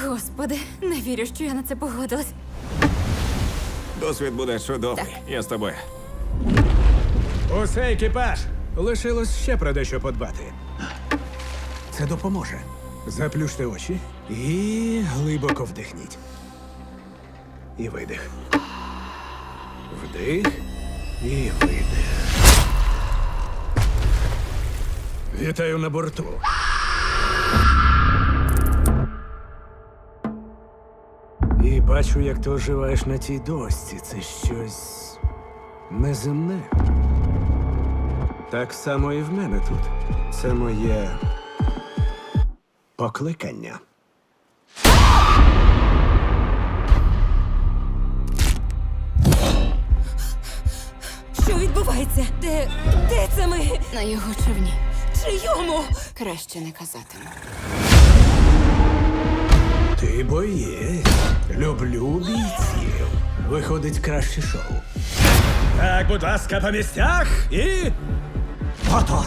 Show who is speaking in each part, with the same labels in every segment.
Speaker 1: Господи, не вірю, що я на це погодилась.
Speaker 2: Досвід буде чудовий.
Speaker 1: Так.
Speaker 2: Я з тобою.
Speaker 3: Усе, екіпаж! Лишилось ще про дещо подбати. Це допоможе. Заплющте очі і глибоко вдихніть. І видих. Вдих і видих. Вітаю на борту. І бачу, як ти оживаєш на тій дошці. Це щось неземне. Так само і в мене тут. Це моє покликання.
Speaker 1: Що відбувається? Де це ми?
Speaker 4: На його човні.
Speaker 1: Чийому?
Speaker 4: Краще не казатиму.
Speaker 3: Ти боєць. Люблю бійців. Виходить краще шоу. Так, будь ласка, по місцях і. Мотор!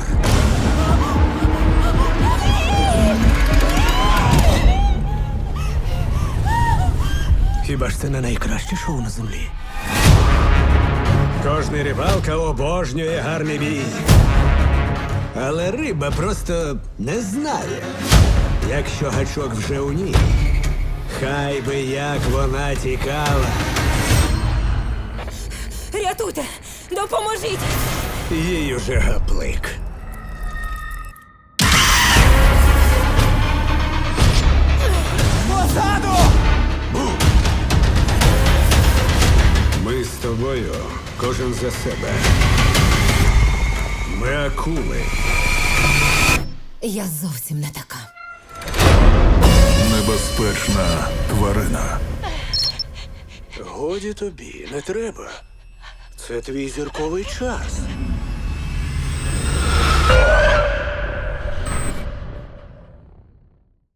Speaker 3: Хіба ж це не найкраще шоу на землі? Кожний рибалка обожнює гарний бій. Але риба просто не знає, якщо гачок вже у ній. Хай би як вона тікала.
Speaker 1: Рятуйте! Допоможіть!
Speaker 3: Їй уже гаплик. Позаду! Ми з тобою, кожен за себе. Ми акули.
Speaker 1: Я зовсім не така.
Speaker 5: Небезпечна тварина.
Speaker 3: Годі тобі, не треба. Це твій зірковий час.